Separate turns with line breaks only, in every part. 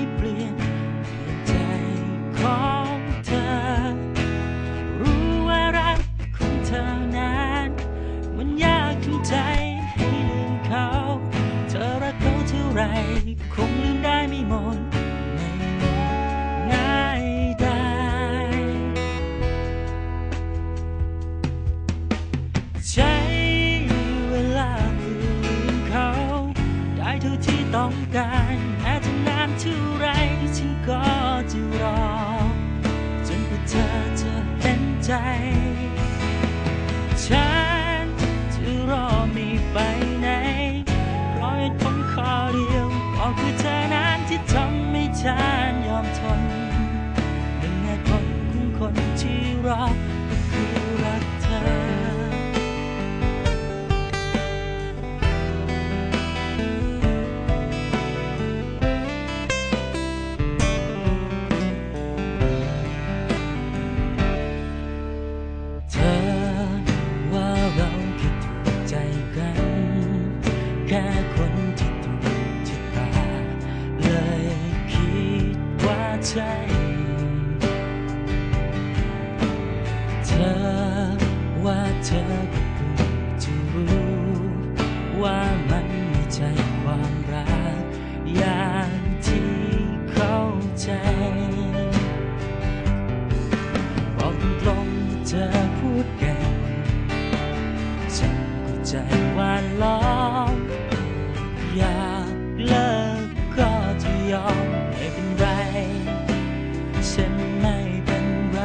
เปลี่ยนใจของเธอรู้ว่ารักของเธอนั้นมันยากทำใจให้ลืมเขาเธอรักเขาเท่าไรคงลืมได้ไม่หมดไม่ง่ายได้ใช้เวลาลืมเขาได้เท่าที่ต้องการแม้จะนานเท่าไรฉันก็จะรอจนกว่าเธอจะเห็นใจฉันจะรอไม่ไปไหนเพราะเหตุผลข้อเดียวก็คือเธอนั้นที่ทำให้ฉันยอมทนหนึ่งเหตุผลของคนที่รอก็คือรักเธอแค่คนที่ถูกชะตาเลยคิดว่าใช่เธอว่าเธอก็เพิ่งจะรู้ว่ามันไม่ใช่ความรักอย่างที่เข้าใจบอกตรงๆเธอพูดเก่งฉันก็ใจว่าล้ออยากเลิกก็จะยอมไม่เป็นไรฉันไม่เป็นไร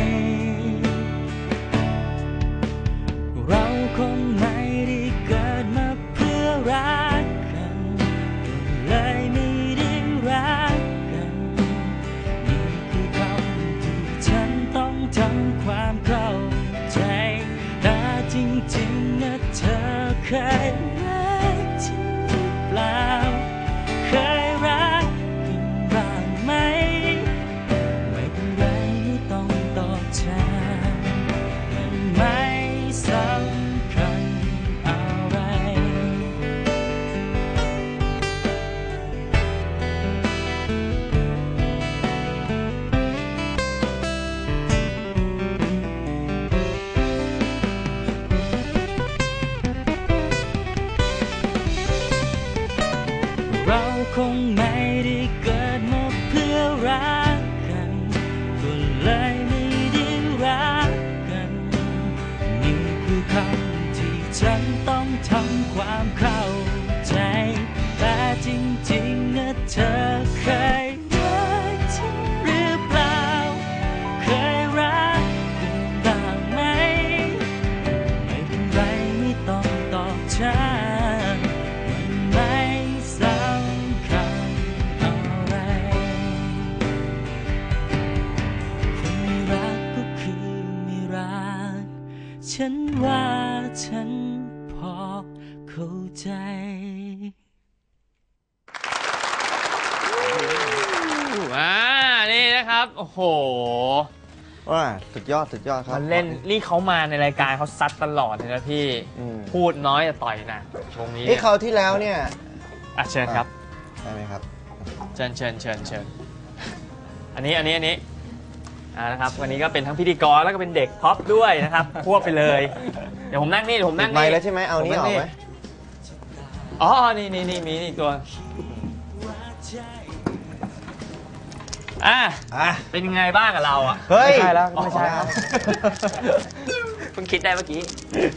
เราคงไม่ได้เกิดมาเพื่อรักกันเลยไม่ได้รักกันนี่คือคำที่ฉันต้องทำความเข้าใจแต่จริงๆนะเธอเคยเคยรักกันบ้างไหมไม่เป็นไรไม่ต้องตอบแทนมันไม่สำคัญอะไรเราคงไม่ได้เกิดมาเพื่อรักกันก็เลยไม่ได้รักกันนี่คือคำที่ฉันต้องทำความเข้าใจแต่จริงๆนะเธอเคยรักฉันหรือเปล่าเคยรักกันบ้างไหมไม่เป็นไรไม่ต้องตอบฉันฉันว่าฉันพอเข้าใจ
นี่นะครับโอ้โห
ว่าสุดยอดครับ
มันเล่นนี่เขามาในรายการเขาซัดตลอดเลยนะพี่พูดน้อยแต่ต่อยหนักช่วงนี้
นี่คราวที่แล้วเนี่ย
เชิญครับ
ได้ไหมครับ
เชิญอันนี้นะครับวันนี้ก็เป็นทั้งพิธีกรแล้วก็เป็นเด็กท็อปด้วยนะครับควบไปเลยเดี๋ยวผมนั่งนี่
ไม่แล้วใช่ไหมเอานี่ออกไหม
อ๋อนี่มีนี่ตัวเป็นยังไงบ้างกับเราอ่ะ
เฮ้ย
ไม่ใช่แล้วไม่ใช่ครับเพิ่งคิดได้เมื่อกี้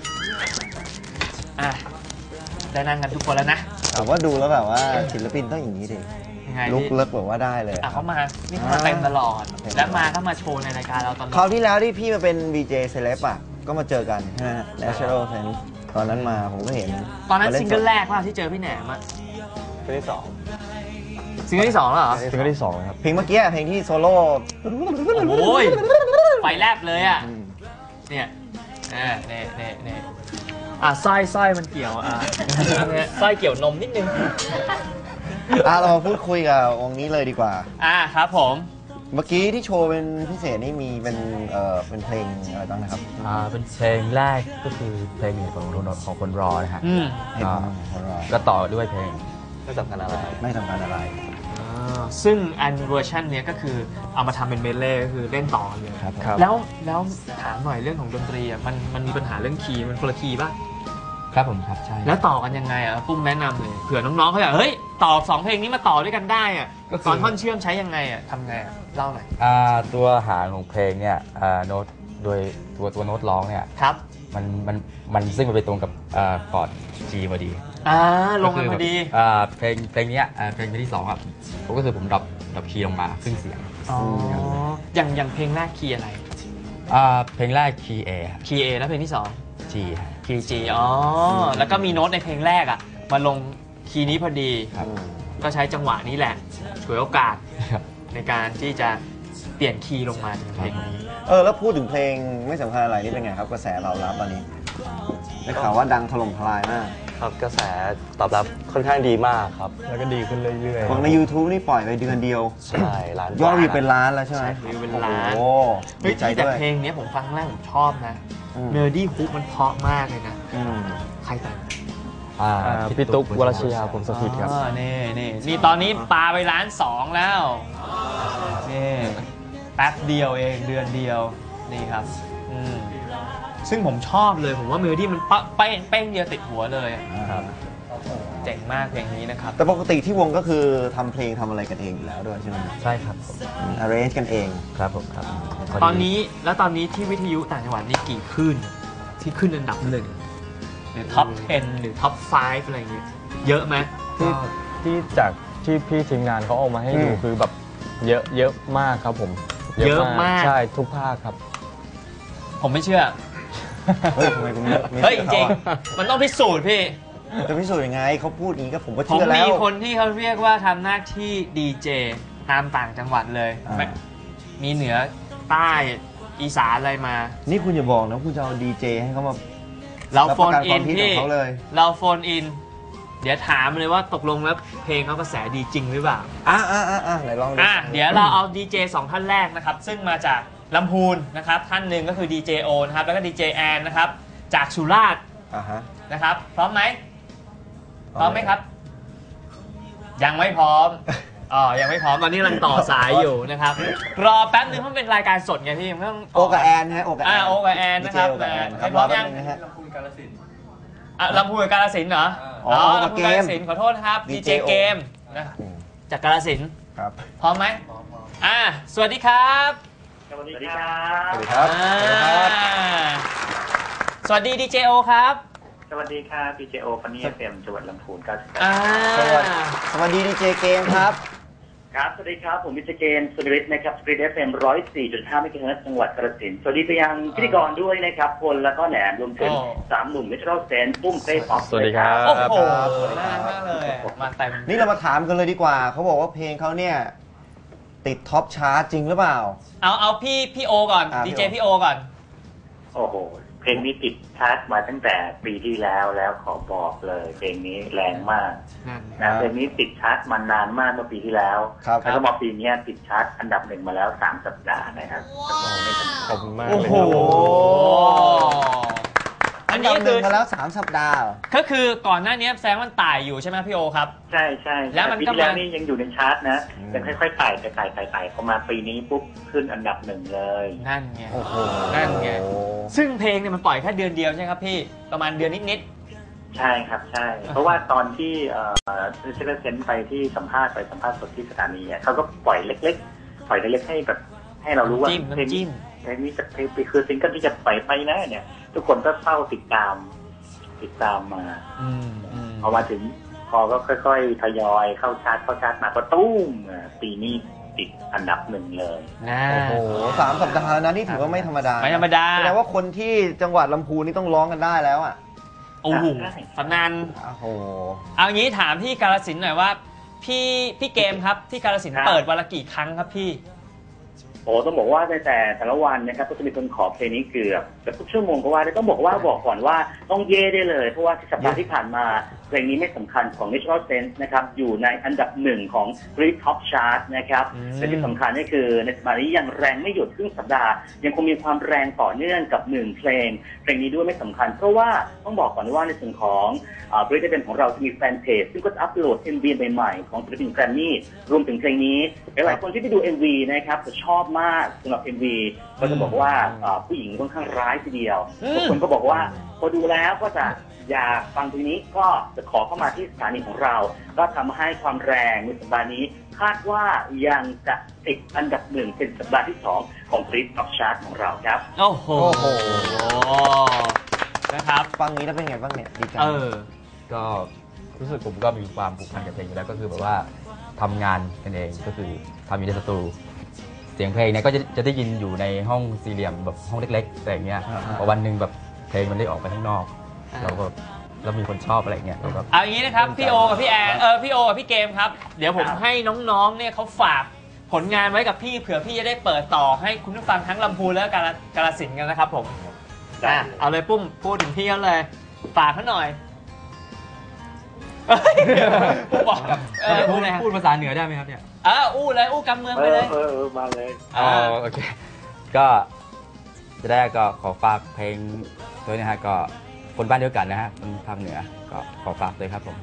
ได้นั่งกันทุกคนแล้วนะ
แต่ว่าดูแล้วแบบว่าศิลปินต้องอย่างนี้ดิลุกเลิกแบบว่าได้เลย
เขามาเต็มตลอดแล้วก็มาโชว์ในรายการเราตลอด
คราวที่แล้วที่พี่มาเป็น VJ Celeb ก็มาเจอกันใช่ไหม Natural Sense ตอนนั้นมาผมก็เห็น
ตอนนั้นซิงเกิลแรกว่าที่เจอพี่แหนม
ซิงเกิลที่ 2
ซิงเกิลที่ 2แล้วเหรอ
ซิงเกิลที่ 2ครับเพลงเมื่อกี้เพลงที่โซโล่
โอ้ยไฟแลบเลยอ่ะเนี่ยสร้อยมันเกี่ยวสร้อยเกี่ยวนมนิดนึง
เรามาพูดคุยกับวงนี้เลยดีกว่า
ครับผม
เมื่อกี้ที่โชว์เป็นพิเศษนี่มีเป็นเพลงอะไรบ้างนะครับ
เป็นเพลงแรกก็คือเพลงของคนรอนะฮะ
ก็
ต่อด้วยเพลงไม่สำคัญอะไร
ซึ่งอันเวอร์ชันเนี้ยก็คือเอามาทำเป็นเมดเล่ก็คือเล่นต่อเลย
ครับ
แล้วถามหน่อยเรื่องของดนตรีอ่ะมันมีปัญหาเรื่องคีย์มันคนละคีย์ป่ะ
ครับผมครับใช่
แล้วต่อกันยังไงอ่ะปุ้มแนะนำเลยเผื่อน้องๆเขาอยากเฮ้ยต่อ2เพลงนี้มาต่อด้วยกันได้อ่ะตอนท่อนเชื่อมใช้ยังไงอ่ะทำไงอ่ะเล่าหน่อย
ตัวหางของเพลงเนี่ยโน้ตโดยตัวโน้ตร้องเนี่ย
ครับ
มันซึ่งมันไปตรงกับคอร์ด G พอดี
ลงมาพอดี
เพลงเนี้ยเพลงที่2ครับผมก็คือผมดรอปคีย์ลงมาครึ่งเสียง
อย่างเพลงแรกคีย์อะไร
เพลงแรกคีย์ A
คีย์ A แล้วเพลงที่
G
2คีย์ G แล้วก็มีโน้ตในเพลงแรกอ่ะมาลงคีย์นี้พอดี
ครับ
ก็ใช้จังหวะนี้แหละฉวยโอกาส
ครับ
ในการที่จะเปลี่ยนคีย์ลงมาในเพลงนี้
แล้วพูดถึงเพลงไม่สำคัญอะไรนี่เป็นไงครับกระแสตอบรับตอนนี้ได้ข่าวว่าดังถล่มทลายมาก
ครับกระแสตอบรับค่อนข้างดีมากครับ
แล้วก็ดีขึ้นเรื่อย
ของใน YouTube นี่ปล่อยไปเดือนเดียว
ใช่ล้าน
ยอดวิวเป็นล้านแล้วใช่ไหม
วิวเป็นล้าน
โอ้
เฮ้
ดี
ย
ใจ
แต่
ด้วย
เพลงนี้ผมฟังครั้งแรกผมชอบนะ
อืม
เมโลดี้ฮุกมันเพราะมากเลยนะ
อืม
ใครแต่ง
พี่ตุ๊กวรชยาผมสถิตครับ
นี่ตอนนี้ปาไป1.2 ล้านแล้วนี่แป๊บเดียวเองเดือนเดียวนี่ครับซึ่งผมชอบเลยผมว่าเมโลดี้มันเป้งเดียวติดหัวเลยอะ
ครับ
เจ๋งมากเพลงนี้นะครับ
แต่ปกติที่วงก็คือทำเพลงทำอะไรกันเองอยู่แล้วด้วยใช่ไหม
ๆ ใช่ครับผม
arrange กันเอง
ครับผมครับ
ตอนนี้ที่วิทยุต่างจังหวัดนี่กี่คลื่นที่ขึ้นอันดับ1หรือท็อป 10 หรือท็อป 5 อะไรอย่างเงี้ยเยอะไหม
ที่จากที่พี่ทีมงานเขาเอามาให้ดูคือแบบเยอะมากครับผม
เยอะมาก
ใช่ทุกภาคครับ
ผมไม่เชื่อ
เฮ้ยทำไมคุณไม่
เฮ้ยจ
ชื่
ริ
อง ขาอะ
ๆมันต้องพิสูจน์พี่
จะพิสูจน์ยังไงเขาพูดอย่างนี้ก็ผมก็
ผม
เชื่อแล้
มี
ว
คนที่เขาเรียกว่าทำหน้าที่ดีเจตามต่างจังหวัดเลย
อ่า
มีเหนือใต้อีสานอะไรมา
นี่คุณอย่าบอกนะคุณจะเอาดีเจให้เขามา
เรา
รับ
โฟ
ประ
น
กัน
อิ
ความฮิตข
นพี่
องเขาเลย
เราโฟนอิน เดี๋ยวถามเลยว่าตกลงแล้วเพลงเขากระแสดีจริงหรือเปล่า
ไหนลองดู
เดี๋ยวเราเอาดีเจ2ท่านแรกนะครับ ซึ่งมาจากลำพูนนะครับ ท่านหนึ่งก็คือดีเจโอนะครับ แล้วก็ดีเจแอนนะครับ จากสุราษฎร์
ฮะ
นะครับ พร้อมไหม พร้อมไหมครับ ยังไม่พร้อม ยังไม่พร้อม ตอนนี้กำลังต่อสายอยู่นะครับ รอแป๊บนึงเพราะมันเป็นรายการสดไงพี่มันต้อง
โอกับแอนฮะโอกับแอน
โอกับแอนนะครับ
โอกับแอนค
ให้
รับ
พร้อมยัง
นะฮะ
ลำพูนกาฬสินธุ์เหรอ ลำพูนกาฬสินธุ์ขอโทษนะครับ ดีเจ
DJ
เกมนะจากกาฬสินธุ์
ครับ
พร้อมไหมสวัสดีครับ
สวัสดีครับ
สวัสดีดีเจโอครับ
สวัสดีค่ะพีเจโอฟันนี่เอ็มจังหวัดลำพูนครับ
สวัสดีดีเจเกมครับ
ครับ สวัสดีครับ ผมวิจเกนสุริศนะครับสกรีน FM 104.5 เมกะเฮิรตซ์จังหวัดกาฬสินธุ์สวัสดีไปยังพิธีกรด้วยนะครับพลแล้วก็แหนมรวมถึง3 หนุ่มมิชโรเซนปุ้มเต้ป๊อป
สวัสดีครับ
โอ้โห
ครับ
น่ารักมากเลยมาเต็ม
นี่เรามาถามกันเลยดีกว่า เขาบอกว่าเพลงเขาเนี่ย ติดท็อปชาร์ตจริงหรือเปล่า
เอาพี่โอก่อน ดีเจพี่โอก่อน
โอ้โห เพลงนี้ติดชาร์ตมาตั้งแต่ปีที่แล้วขอบอกเลยเพลงนี้แรงมาก
ครับ
เพลงนี้ติดชาร์ตมานานมากเมื่อปีที่แล้ว
ครับ
แล้วก็มาปีนี้ติดชาร์ตอันดับ 1มาแล้ว3 สัปดาห์นะครับ
ขอบคุณมาก
โอ้
เลย
โห
ครับ
อันนี้
ดับห
คื
นึ่
อง
มาแล้ว3 สัปดาห์เหรอ
ก็คือก่อนหน้านี้แซงมันต่ายอยู่ใช่ไหมพี่โอครับ
ใช่ใช่
แล้วมัน
ปี
ก็
ที่แล้ว
มานี่
นี่ยังอยู่ในชาร์ตนะยังค่อยๆไต่พอมาปีนี้ปุ๊บขึ้นอันดับ 1เลย
นั่นไง
โอ้โห
นั่นไง ซึ่งเพลงเนี่ยมันปล่อยแค่เดือนเดียวใช่ไหมครับพี่ ประมาณเดือนนิด
ใช่ครับใช่ เพราะว่าตอนที่เซเลเซนไปที่สัมภาษณ์สดที่สถานีอะเขาก็ปล่อยเล็กให้แบบให้เรารู้
ๆ
ว่า
จิ้ม
เพลง
น้ำจิ้ม
นี้จะคือซิงเกิลที่จะปล่อยไปนะเนี่ย ทุกคนก็เฝ้าติดตามมาพอมาถึงพอก็ค่อยๆทยอยเข้าชาร์ตมาก็ตุ้มปีนี้ติดอันดับ 1เลย
นะ
โอ้โห3 สัปดาห์นะนี่ถือว่าไม่ธรรมดา
ไม่ธรรมดา
แสดงว่าคนที่จังหวัดลำพูนนี่ต้องร้องกันได้แล้วอ่ะ
โอ้โหตำนาน
โอ้โห
เอางี้ถามพี่กาฬสินธุ์หน่อยว่า พี่เกมครับที่กาฬสินธุ์เปิดวันละกี่ครั้งครับพี่
โอ้ต้องบอกว่าแต่ละวันนะครับก็จะมีคนขอเพลงนี้เกือบกับทุกชั่วโมงก็ว่าได้ต้องบอกก่อนว่าต้องเย่ได้เลยเพราะว่าสัปดาห์ที่ผ่านมาเพลงนี้ไม่สำคัญของ Natural Sense นะครับอยู่ในอันดับ1ของ Brit Top Chart นะครับและที่สำคัญก็คือในสัปดาห์นี้ยังแรงไม่หยุดครึ่งสัปดาห์ยังคงมีความแรงต่อเนื่องกับ1เพลงนี้ด้วยไม่สำคัญเพราะว่าต้องบอกก่อนว่าในส่วนของBrit ได้เป็นของเราจะมีแฟนเพจซึ่งก็อัปโหลด MV ใหม่ๆของศิลปินแกรมมี่รวมถึงเพลงนี้หลายคนที่ไปดู MV นะครับจะชอบมากสำหรับ MV ก็จะบอกว่าผู้หญิงค่อนข้างร้ายทีเดียวทุกคนก็บอกว่าพอดูแล้วก็จะอยากฟังเพลงนี้ก็จะขอเข้ามาที่สถานีของเราก็ทำให้ความแรงในสัปดาห์นี้คาดว่ายังจะติดอันดับ1เป็นสัปดาห์ที่2ของ Brit Top Chart ของเราครับ
โอ้โหนะครับ
ฟังนี้แล้วเป็นไงบ้างเนี่ยดีใจ
ก็รู้สึกผมก็มีความผูกพันกับเพลงอยู่แล้วก็คือแบบว่าทำงานกันเองก็คือทำอยู่ในสตูเสียงเพลงเนี่ยก็จะได้ยินอยู่ในห้องสี่เหลี่ยมแบบห้องเล็กๆอะไรอย่างเงี้ยพอวันหนึ่งแบบเพลงมันได้ออกไปข้างนอกแล้วมีคนชอบอะไรเงี้ย
เอาอย่างนี้นะครับพี่โอกับพี่แอนพี่โอกับพี่เกมครับเดี๋ยวผมให้น้องๆเนี่ยเขาฝากผลงานไว้กับพี่เผื่อพี่จะได้เปิดต่อให้คุณผู้ฟังทั้งลำพูนและกาฬสินธุ์กันนะครับผมเอาเลยปุ้มพูดถึงพี่เขาเลยฝากเขาหน่อย
พูดภาษาเหนือได้ไหมครับเนี่ย
อู้เลยอู้กำเมืองไปเลย
มาเลย
โอเคก็จะได้ก็ขอฝากเพลงด้วยนะฮะก็คนบ้านเดียวกันนะฮะคนภาคเหนือก็ขอฝากเลยครับผม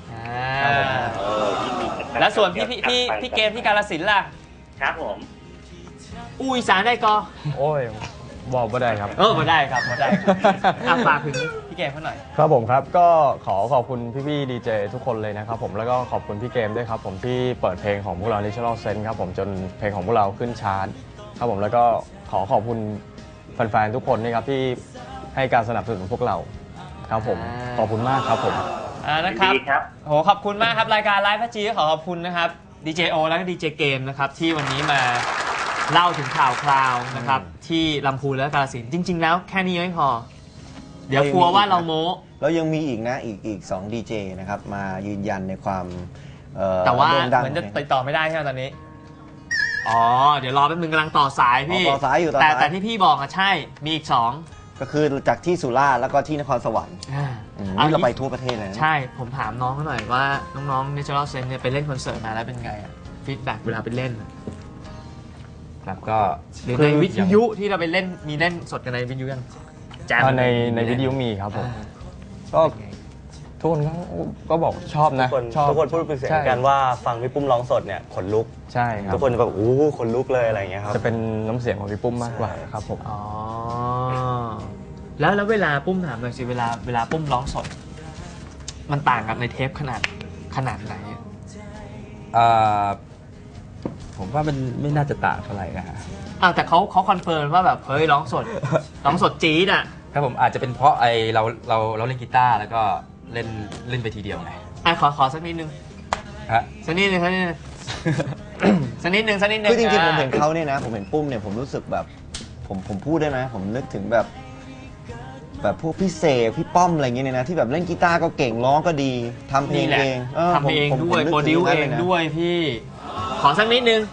แล้วส่วนพี่เกมที่กาฬสินธุ์ล่ะ
ครับผม
อู้อีสานได้ก็
โอ้ยบอกไม่ได้ครับ
ไม่ได้ครับไม่ได้ฝากถึงพี่เกมเขาหน่อย
ครับผมครับก็ขอบคุณพี่ดีเจทุกคนเลยนะครับผมแล้วก็ขอบคุณพี่เกมด้วยครับผมที่เปิดเพลงของพวกเรา Natural Sense ครับผมจนเพลงของพวกเราขึ้นชาร์ตครับผมแล้วก็ขอบคุณแฟนๆทุกคนนะครับที่ให้การสนับสนุนพวกเราครับผมขอบคุณมากครับผม
นะครับโหขอบคุณมากครับรายการไลฟ์พัจีขอบคุณนะครับดีเจโอและดีเจเกมนะครับที่วันนี้มาเล่าถึงข่าวคราวนะครับที่ลำพูนและกาฬสินธุ์จริงๆแล้วแค่นี้ไม่พอเดี๋ยวกลัวว่าเราโม้
แล้วยังมีอีกนะอีก2ดีเจนะครับมายืนยันในความ
แต่ว่าเหมือนจะติดต่อไม่ได้ใช่ไหมตอนนี้เดี๋ยวรอแป๊บนึงกำลังต่อสายพี่
ต่อสายอยู่
แต่ที่พี่บอกใช่มีอีก2
ก็คือจากที่สุราษฎร์แล้วก็ที่นครสวรรค์นี่เราไปทั่วประเทศเลย
ใช่ผมถามน้องเขาหน่อยว่าน้องๆ Natural Sense เนี่ยไปเล่นคอนเสิร์ตมาแล้วเป็นไงฟีดแบ็กเวลาไปเล่น
ครับก็
หรือในวิทยุที่เราไปเล่นมีเล่นสดกันในวิทยุยัง
ในวิทยุมีครับผมก็ทุกคนก็บอกชอบนะ
ทุกคนพูดเป็นเสียงกันว่าฟังพี่ปุ้มร้องสดเนี่ยขนลุก
ใช่ครับ
ทุกคนแบบขนลุกเลยอะไรอย่างเงี้ยครับ
จะเป็นน้ำเสียงของพี่ปุ้มมากกว่าครับผม
แล้วเวลาปุ้มถามหน่อยสิเวลาปุ้มร้องสดมันต่างกับในเทปขนาดไหน
ผมว่ามันไม่น่าจะต่างเท่าไหร่นะฮะ
แต่เขาคอนเฟิร์มว่าแบบเฮ้ยร้องสดจี๊ด
ครับผมอาจจะเป็นเพราะเราเล่นกีตาร์แล้วก็เล่นไปทีเดียวไง
ขอสักนิดนึงสักนิดนึง
คือจริงๆผมเห็นเขาเนี่ยนะผมเห็นปุ้มเนี่ยผมรู้สึกแบบผมพูดได้ไหมผมนึกถึงแบบพวกพี่เสกพี่ป้อมอะไรเงี้ยนะที่แบบเล่นกีตาร์ก็เก่งร้องก็ดีทำเพลงเอง
ทำเพลงด้วยโปรดิวเองด้วยพี่ขอสักนิดนึง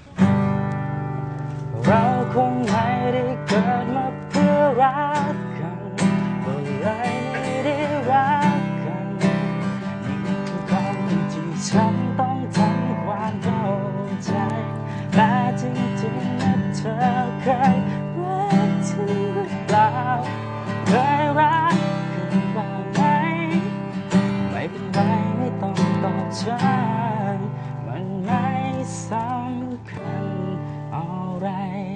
เราคงไม่ได้เกิดมาเพื่อรักกันก็เลยไม่ได้รักกันนี่คือคำที่ฉันต้องทำความเข้าใจแต่จริงๆนะเธอเคยรักฉันหรือเปล่าเคยรักกันบ้างไหมไม่เป็นไรไม่ต้องตอบฉันมันไม่สำคัญอะไร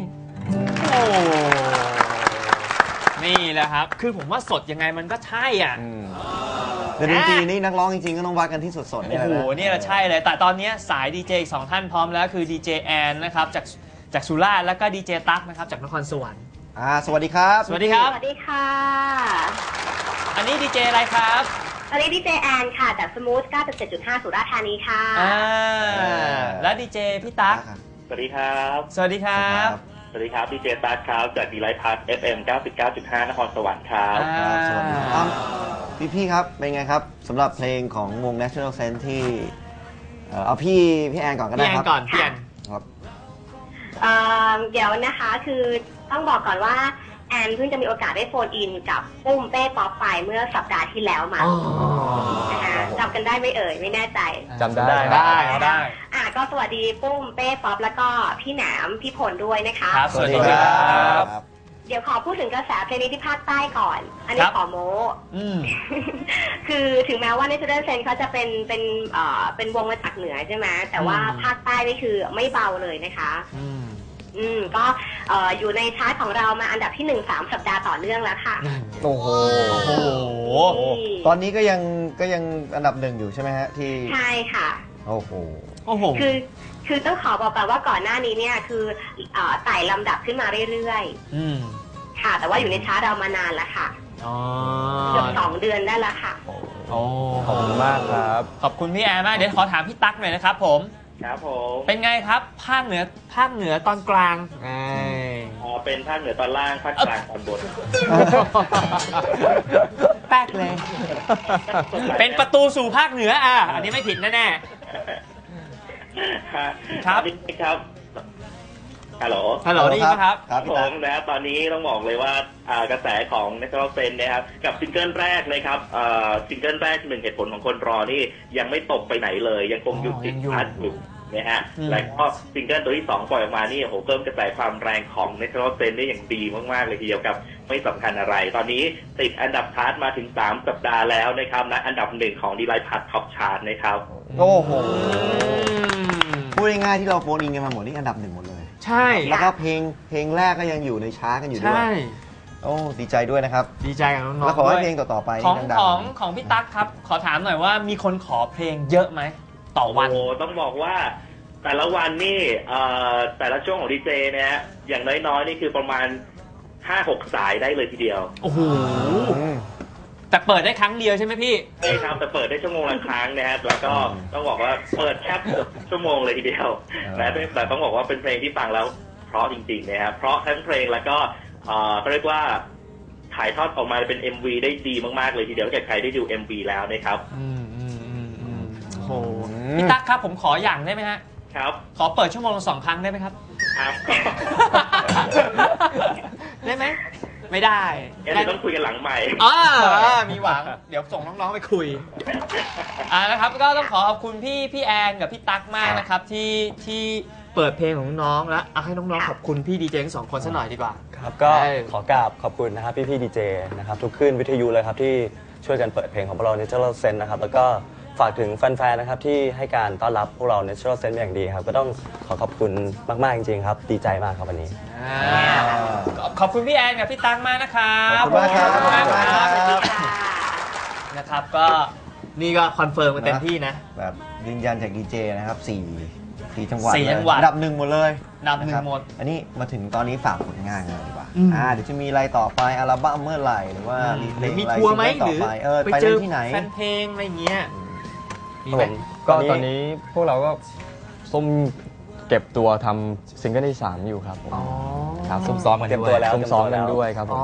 นี่แหละครับคือผมว่าสดยังไงมันก็ใช่
แต่ดนตรีนี่นักร้องจริงๆก็ต้องวัดกันที่สดๆ
โอ้โหนี่แหละใช่เลยแต่ตอนนี้สายดีเจอีก2ท่านพร้อมแล้วคือดีเจแอนนะครับจากสุราษฎร์แล้วก็ดีเจตั๊กนะครับจากนครสวรรค์
สวัสดีครับ
สวัสดีครับ
สวัสดีค่ะ
อันนี้ดีเจอะไรครับ
อันนี้ดีเจแอนค่ะจากสมูท 97.5 สุราษฎร์ธานีค่ะ
แล้วดีเจพี่ตั๊ก
สวัสดีครับ
สวัสดีครับ
สวัสดีครับดีเจตั๊กครับจากดีไลท์พาร์ท FM 99.5 นครสวรรค์ครับ
สวัสดีครับพี่ครับเป็นไงครับสำหรับเพลงของวง Natural Sense ที่เอาพี่แอนก่อนก็ได้ครับ
พี่แอน
ครับ
เดี๋ยวนะคะคือต้องบอกก่อนว่าแอนเพิ่งจะมีโอกาสได้โฟนอินกับปุ้มเป้ป๊อปไปเมื่อสัปดาห์ที่แล้วมานะคะจำกันได้ไหมเอ่ยไม่แน่ใจ
จำได้
ได้
ก็สวัสดีปุ้มเป้ป๊อปแล้วก็พี่แหนมพี่พลด้วยนะคะ
ครับสวัสดีครับ
เดี๋ยวขอพูดถึงกระแสเพลงนี้ที่ภาคใต้ก่อน อันนี้ขอโม้ คือถึงแม้ว่า Natural Sense เขาจะเป็นวงมาจากเหนือใช่ไหมแต่ว่าภาคใต้นี่คือไม่เบาเลยนะคะก็อยู่ในชาร์ตของเรามาอันดับที่ 1 3 สัปดาห์ต่อเนื่องแล้วค่ะ
โอ้โหตอนนี้ก็ยังอันดับ 1อยู่ใช่ไหมฮะที่
ใช่ค่ะ
โอ้โห
คือต้องขอบอกก่อนว่าก่อนหน้านี้เนี่ยคือไต่ลำดับขึ้นมาเรื่อยๆค่ะแต่ว่าอยู่ในชาร์ตเรามานานแล้วค่ะเกือบ2 เดือนได้แล้วค่ะ
ขอบคุณมากครับ
ขอบคุณพี่แอนมากเดี๋ยวขอถามพี่ตั๊กหน่อยนะครับผม
ครับผม
เป็นไงครับภาคเหนือตอนกลาง
เป็นภาคเหนือตอนล่างภาคกลางตอนบน
แป๊กเลยเป็นประตูสู่ภาคเหนืออันนี้ไม่ผิดแน่
ๆครับฮัลโหล
ได้ยินไหมครับ
ผมนะตอนนี้ต้องบอกเลยว่ากระแสของ Natural Sense นะครับกับซิงเกิลแรกเลยครับซิงเกิลแรก1 เหตุผลของคนรอนี่ยังไม่ตกไปไหนเลยยังคงอยู่ติดชาร์ตอยู่นะฮะแล้วก็ซิงเกิลตัวที่2ปล่อยออกมานี่โอ้โหเพิ่มกระแสความแรงของ Natural Sense ได้อย่างดีมากๆเลยทีเดียวกับไม่สำคัญอะไรตอนนี้ติดอันดับชาร์ตมาถึง3 สัปดาห์แล้วนะครับนะอันดับ1ของ Delight Pad Top Chart นะครับ
โอ้โหพูดง่ายๆที่เราโฟนอินกันมาหมดนี่อันดับ1หมดเลย
ใช่
แล้วก็เพลงแรกก็ยังอยู่ในชาร์ตกันอยู่ด้วย
ใช่
โอ้ดีใจด้วยนะครับ
ดีใจกับน้องๆ
แล้วขอให้เพลงต่อๆไป
ของพี่ตั๊กครับขอถามหน่อยว่ามีคนขอเพลงเยอะไหมต่อวัน
โอ้ต้องบอกว่าแต่ละวันนี่แต่ละช่วงของดีเจเนี่ยอย่างน้อยๆนี่คือประมาณ 5-6 สายได้เลยทีเดียว
โอ้โหแต่เปิดได้ครั้งเดียวใช่ไหมพี่
ใช่ครับแต่เปิดได้ชั่วโมงละครั้งนะครับแล้วก็ต้องบอกว่าเปิดแทบชั่วโมงเลยทีเดียวแต่ต้องบอกว่าเป็นเพลงที่ฟังแล้วเพราะจริงๆนะครับเพราะทั้งเพลงแล้วก็เรียกว่าถ่ายทอดออกมาเป็น MV ได้ดีมากๆเลยทีเดียวถ้าใครได้ดู MV แล้วนะครับ
โอ้โหพี่ตั๊กครับผมขออย่างได้ไหมฮะ
ครับ
ขอเปิดชั่วโมงละ2 ครั้งได้ไหมครับได้ไหมไม่ได้
เดี๋ยวต้องคุยกันหลังใหม่
มีหวังเดี๋ยวส่งน้องๆไปคุยนะครับก็ต้องขอขอบคุณพี่แอนกับพี่ตั๊กมากนะครับที่เปิดเพลงของน้องแล้วเอาให้น้องๆขอบคุณพี่ดีเจทั้ง2 คนซะหน่อยดีกว่า
ครับก็ขอกราบขอบคุณนะครับพี่ดีเจนะครับทุกคลื่นวิทยุเลยครับที่ช่วยกันเปิดเพลงของพวกเรา Natural Sense นะครับแล้วก็ฝากถึงแฟนๆนะครับที่ให้การต้อนรับพวกเรา Natural Sense อย่างดีครับก็ต้องขอบคุณมากๆจริงๆครับดีใจมากครับวันนี้
ขอบคุณพี่แอนกับพี่ตั๊กมากนะครับ
ขอบคุณมากครับ
นะครับก็นี่ก็คอนเฟิร์มกันเต็มที่นะ
แบบยืนยันจากดีเจนะครับ4 จังหวัด
อั
นดับ 1หมดเลย
อันดับ 1หมด
อันนี้มาถึงตอนนี้ฝากผลงานกันดีกว่าเดี๋ยวจะมีอะไรต่อไปอัลบั้มเมื่อไหร่หรือว่า
มีทัวร์ไหมหรือ
ไปเจอที่ไหน
แฟนเพลงอะไรเงี้ย
ก็ตอนนี้พวกเราก็ซุ่มเก็บตัวทำซิงเกิลที่3อยู่ครับผม
ครับซุ่มซ้อมกัน
ด้วยซุ่มซ้อมกันด้วยครับผม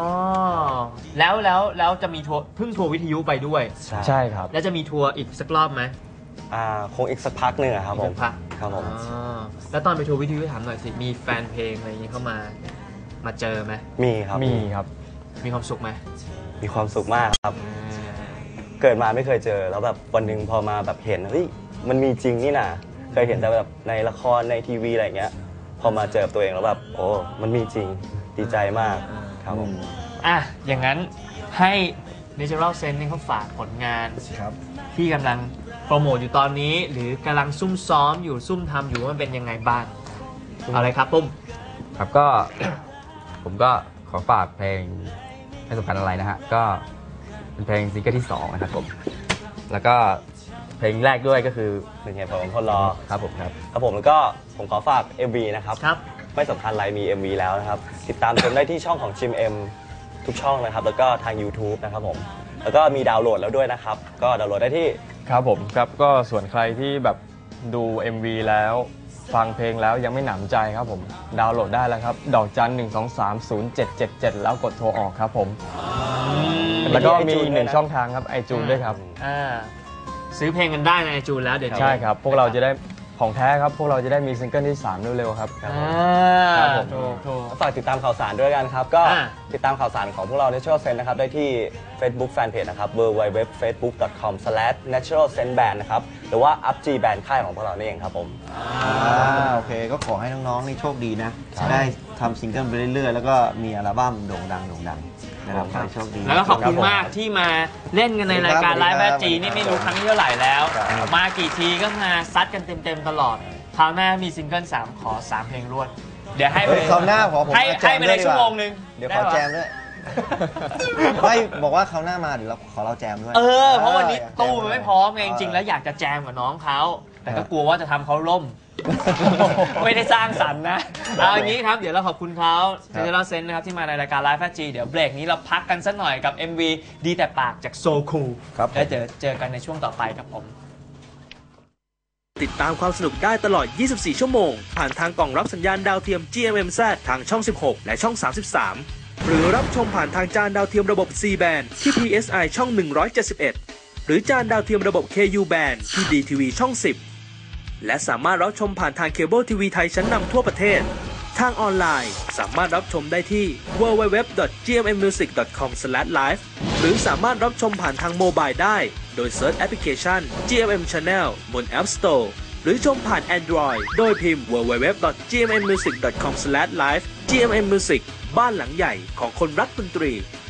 แล้วจะมีทัวร์เพิ่งทัวร์วิทยุไปด้วย
ใช่ครับ
แล้วจะมีทัวร์อีกสักรอบไหม
คงอีกสักพักหนึ่งครับผม
ครับผมแล้วตอนไปทัวร์วิทยุถามหน่อยสิมีแฟนเพลงอะไรอย่างนี้เข้ามาเจอไหม
มีครับ
มีความสุขไหม
มีความสุขมากครับเกิดมาไม่เคยเจอแล้วแบบวันหนึ่งพอมาแบบเห็นเฮ้ยมันมีจริงนี่นะเคยเห็นแต่แบบในละครในทีวีอะไรเงี้ยพอมาเจอตัวเองแล้วแบบโอ้มันมีจริงดีใจมากครับผม
อย่างนั้นให้ Natural Sense นี่เขาฝากผลงานที่กำลังโปรโมทอยู่ตอนนี้หรือกำลังซุ่มซ้อมอยู่ซุ่มทำอยู่ว่ามันเป็นยังไงบ้างอะไรครับปุ้ม
ครับก็ ผมก็ขอฝากเพลงไม่สำคัญอะไรนะฮะก็เป็นเพลงซิงเกิลที่2นะครับผมแล้วก็เพลงแรกด้วยก็คือ
1 เหตุผลของคนรอ
ครับผมครับ
ผมแล้วก็ผมขอฝาก MV นะครับไม่สำคัญอะไรมี MV แล้วนะครับติดตามชมได้ที่ช่องของชิม M ทุกช่องนะครับแล้วก็ทาง YouTube นะครับผมแล้วก็มีดาวน์โหลดแล้วด้วยนะครับก็ดาวน์โหลดได้ที่
ครับผมครับก็ส่วนใครที่แบบดู MV แล้วฟังเพลงแล้วยังไม่หนำใจครับผมดาวน์โหลดได้แล้วครับดอกจัน 1230777แล้วกดโทรออกครับผมแล้วก็มีอีก1ช่องทางครับiTunesด้วยครับ
ซื้อเพลงกันได้ในiTunesแล้วเดี๋ยว
ใช่ครับพวกเราจะได้ของแท้ครับพวกเราจะได้มีซิงเกิลที่3เร็วๆครับ
ครับผมถูก
ฝากติดตามข่าวสารด้วยกันครับ ก็ติดตามข่าวสารของพวกเรา Natural Sense นะครับได้ที่ Facebook Fanpage นะครับ www.facebook.com/naturalsenseband นะครับหรือว่า UpG Band ค่ายของพวกเรานี่เองครับผม
โอเคก็ขอให้น้องๆนี่โชคดีนะได้ทำซิงเกิลไปเรื่อยๆแล้วก็มีอัลบั้มโด่งดังนะครับขอให้โชคดี
แล้วก็ขอบคุณมากที่มาเล่นกันในรายการไลฟ์แบทจีนี่ไม่รู้ครั้งที่เท่าไหร่แล้วมากี่ทีก็มาซัดกันเต็มๆตลอดคราวหน้ามีซิงเกิล3ขอ3เพลงรวดเดี๋ยวให้ไป
คราวหน้าขอผม
ให้ไปในชั่วโมงนึง
เดี๋ยวขอแจมด้วยไม่บอกว่าคราวหน้ามาเดี๋ยวเราขอเราแจมด้วย
เพราะวันนี้ตู้มันไม่พร้อมไงจริงๆแล้วอยากจะแจมกับน้องเขาแต่ก็กลัวว่าจะทำเขาล่มไม่ได้สร้างสรรค์นะเอาอย่างนี้ครับเดี๋ยวเราขอบคุณเขาNatural Senseนะครับที่มาในรายการ Live 5G เดี๋ยวเบรกนี้เราพักกันสักหน่อยกับ MV ดีแต่ปากจาก So Cool แล้วเจอกันในช่วงต่อไปครับผม
ติดตามความสนุกได้ตลอด 24 ชั่วโมงผ่านทางกล่องรับสัญญาณดาวเทียม GMMZ ทางช่อง 16 และช่อง 33 หรือรับชมผ่านทางจานดาวเทียมระบบ C band ที่ PSI ช่อง 171 หรือจานดาวเทียมระบบ KU band ที่ DTV ช่อง 10 และสามารถรับชมผ่านทางเคเบิลทีวีไทยชั้นนำทั่วประเทศทางออนไลน์สามารถรับชมได้ที่ www.gmmusic.com/live หรือสามารถรับชมผ่านทางโมบายได้โดยเซิร์ชแอปพลิเคชัน GMM Channel บน App Store หรือชมผ่าน Android โดยพิมพ์ www.gmmusic.com/live GMM Music บ้านหลังใหญ่ของคนรักดนตรี